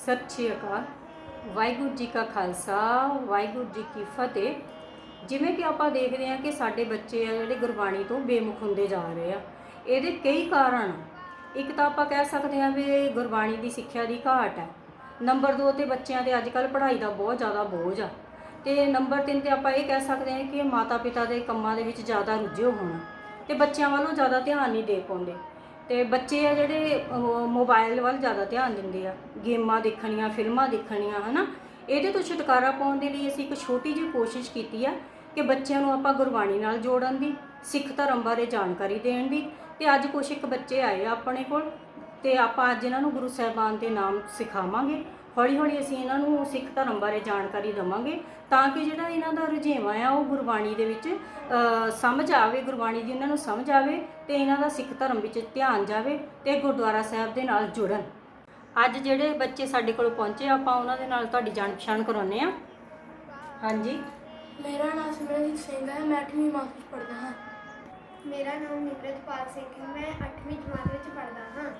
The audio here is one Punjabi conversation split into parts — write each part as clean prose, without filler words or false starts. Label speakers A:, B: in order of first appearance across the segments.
A: सत श्री अकाल। वाहिगुरू जी का खालसा वाहिगुरू जी की फतेह। ਜਿਵੇਂ ਕਿ ਆਪਾਂ ਦੇਖਦੇ ਹਾਂ ਕਿ ਸਾਡੇ ਬੱਚੇ ਆ ਜਿਹੜੇ ਗੁਰਬਾਣੀ ਤੋਂ ਬੇਮੁਖ ਹੁੰਦੇ ਜਾ ਰਹੇ ਆ। ਇਹਦੇ ਕਈ ਕਾਰਨ। ਇੱਕ ਤਾਂ ਆਪਾਂ ਕਹਿ ਸਕਦੇ ਹਾਂ ਵੀ ਗੁਰਬਾਣੀ ਦੀ ਸਿੱਖਿਆ ਦੀ ਘਾਟ ਹੈ। ਨੰਬਰ 2 ਤੇ ਬੱਚਿਆਂ ਦੇ ਅੱਜ ਕੱਲ੍ਹ ਪੜ੍ਹਾਈ ਦਾ ਬਹੁਤ ਜ਼ਿਆਦਾ ਬੋਝ ਆ। ਤੇ ਨੰਬਰ 3 ਤੇ ਆਪਾਂ ਇਹ ਕਹਿ ਸਕਦੇ ਹਾਂ ਕਿ ਮਾਤਾ ਪਿਤਾ ਦੇ ਕੰਮਾਂ ਦੇ ਵਿੱਚ ਜ਼ਿਆਦਾ ਰੁੱਝੇ ਹੋਣ ਤੇ ਬੱਚਿਆਂ ਵੱਲੋਂ ਜ਼ਿਆਦਾ ਧਿਆਨ ਨਹੀਂ ਦੇ ਪਾਉਂਦੇ। ਤੇ ਬੱਚੇ ਆ ਜਿਹੜੇ ਮੋਬਾਈਲ ਵੱਲ ਜ਼ਿਆਦਾ ਧਿਆਨ ਦਿੰਦੇ ਆ, ਗੇਮਾਂ ਦੇਖਣੀਆਂ, ਫਿਲਮਾਂ ਦੇਖਣੀਆਂ, ਹੈ ਨਾ। ਇਹਦੇ ਤੋਂ ਛੁਟਕਾਰਾ ਪਾਉਣ ਦੇ ਲਈ ਅਸੀਂ ਇੱਕ ਛੋਟੀ ਜਿਹੀ ਕੋਸ਼ਿਸ਼ ਕੀਤੀ ਆ ਕਿ ਬੱਚਿਆਂ ਨੂੰ ਆਪਾਂ ਗੁਰਬਾਣੀ ਨਾਲ ਜੋੜਨ ਦੀ, ਸਿੱਖ ਧਰਮ ਬਾਰੇ ਜਾਣਕਾਰੀ ਦੇਣ ਦੀ। ਤੇ ਅੱਜ ਕੁਛ ਇੱਕ ਬੱਚੇ ਆਏ ਆ ਆਪਣੇ ਕੋਲ ਤੇ ਆਪਾਂ ਅੱਜ ਇਹਨਾਂ ਨੂੰ ਗੁਰੂ ਸਾਹਿਬਾਨ ਦੇ ਨਾਮ ਸਿਖਾਵਾਂਗੇ। ਹੌਲੀ ਹੌਲੀ ਅਸੀਂ ਇਹਨਾਂ ਨੂੰ ਸਿੱਖ ਧਰਮ ਬਾਰੇ ਜਾਣਕਾਰੀ ਦੇਵਾਂਗੇ ਤਾਂ ਕਿ ਜਿਹੜਾ ਇਹਨਾਂ ਦਾ ਰੁਝੇਵਾਂ ਆ ਉਹ ਗੁਰਬਾਣੀ ਦੇ ਵਿੱਚ ਸਮਝ ਆਵੇ, ਗੁਰਬਾਣੀ ਦੀ ਇਹਨਾਂ ਨੂੰ ਸਮਝ ਆਵੇ ਤੇ ਇਹਨਾਂ ਦਾ ਸਿੱਖ ਧਰਮ ਵਿੱਚ ਧਿਆਨ ਜਾਵੇ ਤੇ ਗੁਰਦੁਆਰਾ ਸਾਹਿਬ ਦੇ ਨਾਲ ਜੁੜਨ। ਅੱਜ ਜਿਹੜੇ ਬੱਚੇ ਸਾਡੇ ਕੋਲ ਪਹੁੰਚੇ ਆਪਾਂ ਉਹਨਾਂ ਦੇ ਨਾਲ ਤੁਹਾਡੀ ਜਾਣ ਪਛਾਣ ਕਰਾਉਂਦੇ ਆ। ਹਾਂਜੀ,
B: ਮੇਰਾ ਨਾਮ ਸਿਮਰਨਜੀਤ ਸਿੰਘ ਹੈ, ਮੈਂ 8ਵੀਂ ਜਮਾਤ ਵਿੱਚ ਪੜ੍ਹਦਾ ਹਾਂ।
C: ਮੇਰਾ ਨਾਮ ਨਿਮਰਤਪਾਲ ਸਿੰਘ ਹੈ, ਮੈਂ 8ਵੀਂ ਜਮਾਤ ਵਿੱਚ ਪੜ੍ਹਦਾ ਹਾਂ।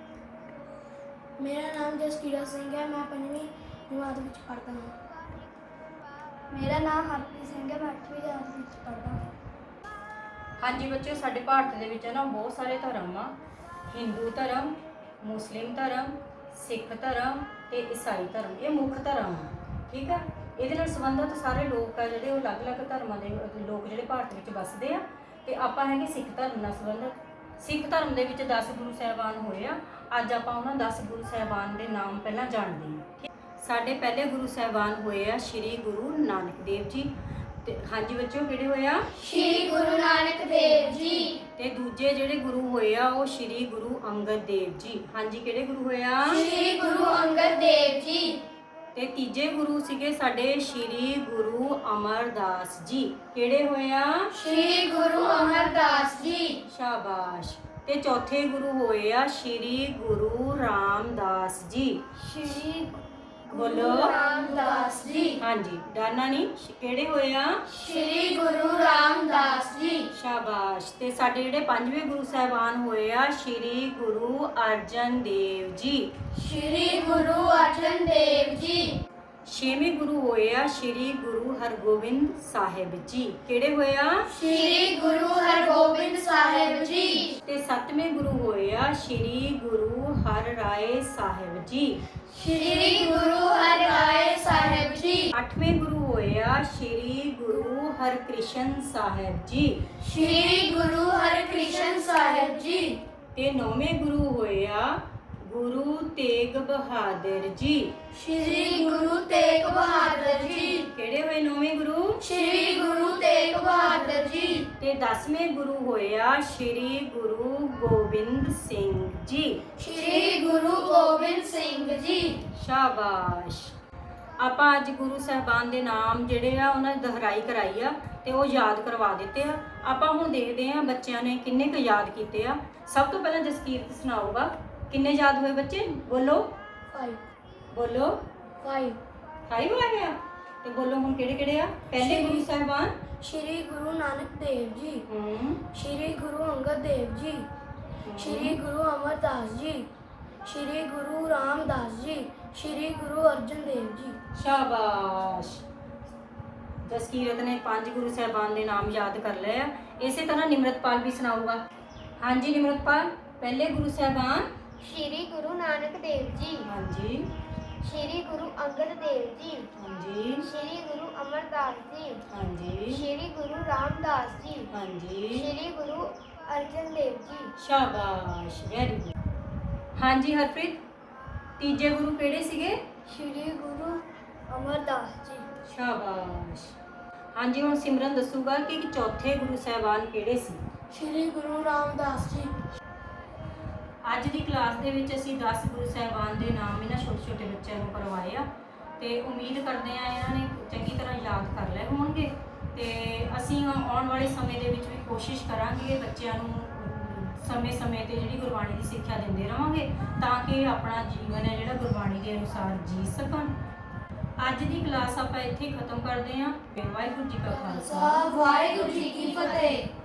B: ਮੇਰਾ ਨਾਮ ਜਸਕੀਰਤ ਸਿੰਘ ਹੈ, ਮੈਂ 5ਵੀਂ ਜਮਾਤ ਵਿੱਚ ਪੜ੍ਹਦਾ ਹਾਂ।
C: ਮੇਰਾ ਨਾਮ ਹਰਪ੍ਰੀਤ ਸਿੰਘ ਹੈ, ਮੈਂ 8ਵੀਂ ਜਮਾਤ ਵਿੱਚ ਪੜ੍ਹਦਾ ਹਾਂ।
A: ਹਾਂਜੀ ਬੱਚਿਓ, ਸਾਡੇ ਭਾਰਤ ਦੇ ਵਿੱਚ ਨਾ ਬਹੁਤ ਸਾਰੇ ਧਰਮ ਆ। ਹਿੰਦੂ ਧਰਮ, ਮੁਸਲਿਮ ਧਰਮ, ਸਿੱਖ ਧਰਮ ਤੇ ਈਸਾਈ ਧਰਮ, ਇਹ ਮੁੱਖ ਧਰਮ ਆ। ਠੀਕ ਆ, ਇਹਦੇ ਨਾਲ ਸੰਬੰਧਿਤ ਸਾਰੇ ਲੋਕ ਆ ਜਿਹੜੇ ਉਹ ਅਲੱਗ-ਅਲੱਗ ਧਰਮਾਂ ਦੇ ਲੋਕ ਜਿਹੜੇ ਭਾਰਤ ਵਿੱਚ ਵੱਸਦੇ ਆ। ਤੇ ਆਪਾਂ ਹੈਗੇ ਸਿੱਖ ਧਰਮ ਨਾਲ ਸੰਬੰਧਿਤ। ਸਿੱਖ ਧਰਮ ਦੇ ਵਿੱਚ 10 ਗੁਰੂ ਸਾਹਿਬਾਨ ਹੋਏ ਆ। ਅੱਜ ਆਪਾਂ ਉਹਨਾਂ 10 ਗੁਰੂ ਸਾਹਿਬਾਨ ਦੇ ਨਾਮ ਪਹਿਲਾਂ ਜਾਣਦੇ ਹਾਂ। ਸਾਡੇ ਪਹਿਲੇ ਗੁਰੂ ਸਾਹਿਬਾਨ ਹੋਏ ਆ ਸ਼੍ਰੀ ਗੁਰੂ ਨਾਨਕ ਦੇਵ ਜੀ। ਤੇ ਹਾਂਜੀ ਬੱਚਿਓ, ਕਿਹੜੇ ਹੋਏ ਆ?
C: ਸ਼੍ਰੀ ਗੁਰੂ ਨਾਨਕ ਦੇਵ ਜੀ।
A: ਤੇ ਦੂਜੇ ਜਿਹੜੇ ਗੁਰੂ ਹੋਏ ਆ ਉਹ ਸ਼੍ਰੀ ਗੁਰੂ ਅੰਗਦ ਦੇਵ ਜੀ। ਹਾਂਜੀ, ਕਿਹੜੇ ਗੁਰੂ ਹੋਏ ਆ?
C: ਸ਼੍ਰੀ ਗੁਰੂ ਅੰਗਦ ਦੇਵ ਜੀ।
A: ਤੇ ਤੀਜੇ ਗੁਰੂ ਸੀਗੇ ਸਾਡੇ ਸ਼੍ਰੀ ਗੁਰੂ ਅਮਰਦਾਸ ਜੀ। ਕਿਹੜੇ ਹੋਏ ਆ?
C: ਸ਼੍ਰੀ ਗੁਰੂ ਅਮਰਦਾਸ ਜੀ।
A: ਸ਼ਾਬਾਸ਼। ਤੇ ਚੌਥੇ ਗੁਰੂ ਹੋਏ ਆ ਸ਼੍ਰੀ ਗੁਰੂ ਰਾਮਦਾਸ ਜੀ।
C: ਸ਼੍ਰੀ
A: ਬੋਲੋ।
C: ਰਾਮਦਾਸ ਜੀ।
A: ਹਾਂਜੀ, ਡਾਨਾ ਨਹੀਂ, ਕਿਹੜੇ ਹੋਏ ਆ?
C: ਸ਼੍ਰੀ ਗੁਰੂ ਰਾਮਦਾਸ ਜੀ।
A: ਸ਼ਾਬਾਸ਼। ਤੇ ਸਾਡੇ ਜਿਹੜੇ ਪੰਜਵੇਂ ਗੁਰੂ ਸਾਹਿਬਾਨ ਹੋਏ ਆ ਸ਼੍ਰੀ ਗੁਰੂ ਅਰਜਨ ਦੇਵ ਜੀ।
C: ਸ਼੍ਰੀ ਗੁਰੂ ਅਰਜਨ ਦੇਵ ਜੀ।
A: ਛੇਵੇਂ ਗੁਰੂ ਹੋਏ ਆ ਸ਼੍ਰੀ ਗੁਰੂ ਹਰਗੋਬਿੰਦ ਸਾਹਿਬ ਜੀ। ਕਿਹੜੇ ਹੋਏ ਆ?
C: ਸ਼੍ਰੀ ਗੁਰੂ ਹਰਗੋਬਿੰਦ ਸਾਹਿਬ ਜੀ।
A: ਤੇ ਸੱਤਵੇਂ ਗੁਰੂ ਹੋਏ ਆ ਸ਼੍ਰੀ ਗੁਰੂ ਹਰਰਾਏ ਸਾਹਿਬ ਜੀ।
C: ਸ਼੍ਰੀ ਗੁਰੂ ਹਰਿਰਾਏ ਸਾਹਿਬ ਜੀ।
A: ਅੱਠਵੇਂ ਗੁਰੂ ਹੋਏ ਆ ਸ਼੍ਰੀ ਗੁਰੂ ਹਰਕ੍ਰਿਸ਼ਨ ਸਾਹਿਬ ਜੀ।
C: ਸ਼੍ਰੀ ਗੁਰੂ ਹਰਕ੍ਰਿਸ਼ਨ ਸਾਹਿਬ ਜੀ।
A: ਤੇ ਨੌਵੇਂ ਗੁਰੂ ਹੋਏ ਆ ਗੁਰੂ ਤੇਗ ਬਹਾਦਰ ਜੀ।
C: ਸ਼੍ਰੀ ਗੁਰੂ ਤੇਗ ਬਹਾਦਰ ਜੀ।
A: ਕਿਹੜੇ ਹੋਏ ਨੌਵੇਂ ਗੁਰੂ?
C: ਸ਼੍ਰੀ ਗੁਰੂ ਤੇਗ ਬਹਾਦਰ ਜੀ।
A: ਤੇ 10ਵੇਂ ਗੁਰੂ ਹੋਏ ਆ ਸ਼੍ਰੀ ਗੁਰੂ ਗੋਬਿੰਦ ਸਿੰਘ ਜੀ।
C: ਸ਼੍ਰੀ ਗੁਰੂ ਗੋਬਿੰਦ ਸਿੰਘ ਜੀ।
A: ਸ਼ਾਬਾਸ਼। ਆਪਾਂ ਅੱਜ ਗੁਰੂ ਸਾਹਿਬਾਨ ਦੇ ਨਾਮ ਜਿਹੜੇ ਆ ਉਹਨਾਂ ਦੀ ਦੁਹਰਾਈ ਕਰਾਈ ਆ ਤੇ ਉਹ ਯਾਦ ਕਰਵਾ ਦਿੱਤੇ ਆ। ਆਪਾਂ ਹੁਣ ਦੇਖਦੇ ਆ ਬੱਚਿਆਂ ਨੇ ਕਿੰਨੇ ਕੁ ਯਾਦ ਕੀਤੇ ਆ। ਸਭ ਤੋਂ ਪਹਿਲਾਂ ਜਸਕੀਰਤ ਸੁਣਾਊਗਾ ਕਿੰਨੇ ਯਾਦ ਹੋਏ ਬੱਚੇ? ਬੋਲੋ।
B: 5
A: ਬੋਲੋ।
B: 5
A: 5 ਆ ਗਿਆ। ਤੇ ਬੋਲੋ ਹੁਣ ਕਿਹੜੇ ਕਿਹੜੇ ਆ? ਪਹਿਲੇ ਗੁਰੂ ਸਾਹਿਬਾਨ
B: ਸ਼੍ਰੀ ਗੁਰੂ ਨਾਨਕ ਦੇਵ ਜੀ, ਸ਼੍ਰੀ ਗੁਰੂ ਅੰਗਦ ਦੇਵ ਜੀ, ਸ਼੍ਰੀ ਗੁਰੂ ਅਮਰਦਾਸ ਜੀ, ਸ਼੍ਰੀ ਗੁਰੂ ਰਾਮਦਾਸ ਜੀ, ਸ਼੍ਰੀ ਗੁਰੂ ਅਰਜਨ ਦੇਵ ਜੀ।
A: ਸ਼ਾਬਾਸ਼। ਜਸਕੀਰਤ ਨੇ 5 ਗੁਰੂ ਸਾਹਿਬਾਨ ਦੇ ਨਾਮ ਯਾਦ ਕਰ ਲਏ ਆ। ਇਸੇ ਤਰ੍ਹਾਂ ਨਿਮਰਤਪਾਲ ਵੀ ਸੁਣਾਊਗਾ। ਹਾਂਜੀ ਨਿਮਰਤਪਾਲ, ਪਹਿਲੇ ਗੁਰੂ ਸਾਹਿਬਾਨ।
C: ਸ਼੍ਰੀ ਗੁਰੂ ਨਾਨਕ ਦੇਵ ਜੀ।
A: ਹਾਂਜੀ।
C: ਸ਼੍ਰੀ ਗੁਰੂ ਅੰਗਦ ਦੇਵ ਜੀ।
A: ਹਾਂਜੀ।
C: ਸ਼੍ਰੀ ਗੁਰੂ ਅਮਰਦਾਸ ਜੀ।
A: ਹਾਂਜੀ।
C: ਸ਼੍ਰੀ ਗੁਰੂ ਰਾਮਦਾਸ ਜੀ।
A: ਹਾਂਜੀ।
C: ਸ਼੍ਰੀ ਗੁਰੂ ਅਰਜਨ ਦੇਵ ਜੀ।
A: ਸ਼ਾਬਾਸ਼, ਵੈਰੀ ਗੁੱਡ। ਹਾਂਜੀ ਹਰਪ੍ਰੀਤ, ਤੀਜੇ ਗੁਰੂ ਕਿਹੜੇ ਸੀਗੇ?
B: ਸ਼੍ਰੀ ਗੁਰੂ ਅਮਰਦਾਸ ਜੀ।
A: ਸ਼ਾਬਾਸ਼। ਹਾਂਜੀ, ਹੁਣ ਸਿਮਰਨ ਦੱਸੂਗਾ ਕਿ ਚੌਥੇ ਗੁਰੂ ਸਾਹਿਬਾਨ ਕਿਹੜੇ ਸੀ।
B: ਸ਼੍ਰੀ ਗੁਰੂ ਰਾਮਦਾਸ ਜੀ।
A: ਅੱਜ ਦੀ ਕਲਾਸ ਦੇ ਵਿੱਚ ਅਸੀਂ 10 ਗੁਰੂ ਸਾਹਿਬਾਨ ਦੇ ਨਾਮ ਇਹਨਾਂ ਛੋਟੇ ਛੋਟੇ ਬੱਚਿਆਂ ਨੂੰ ਕਰਵਾਏ ਆ ਤੇ ਉਮੀਦ ਕਰਦੇ ਆ ਇਹਨਾਂ ਨੇ ਚੰਗੀ ਤਰ੍ਹਾਂ ਯਾਦ ਕਰ ਲਏ ਹੋਣਗੇ। ਤੇ ਅਸੀਂ ਆਉਣ ਵਾਲੇ ਸਮੇਂ ਦੇ ਵਿੱਚ ਵੀ ਕੋਸ਼ਿਸ਼ ਕਰਾਂਗੇ ਬੱਚਿਆਂ ਨੂੰ ਸਮੇਂ-ਸਮੇਂ ਤੇ ਜਿਹੜੀ ਗੁਰਬਾਣੀ ਦੀ ਸਿੱਖਿਆ ਦਿੰਦੇ ਰਹਾਂਗੇ ਤਾਂ ਕਿ ਆਪਣਾ ਜੀਵਨ ਹੈ ਜਿਹੜਾ ਗੁਰਬਾਣੀ ਦੇ ਅਨੁਸਾਰ ਜੀ ਸਕਣ। ਅੱਜ ਦੀ ਕਲਾਸ ਆਪਾਂ ਇੱਥੇ ਖਤਮ ਕਰਦੇ ਹਾਂ। ਵਾਹਿਗੁਰੂ ਜੀ ਕਾ ਖਾਲਸਾ,
C: ਵਾਹਿਗੁਰੂ ਜੀ ਕੀ ਫਤਿਹ।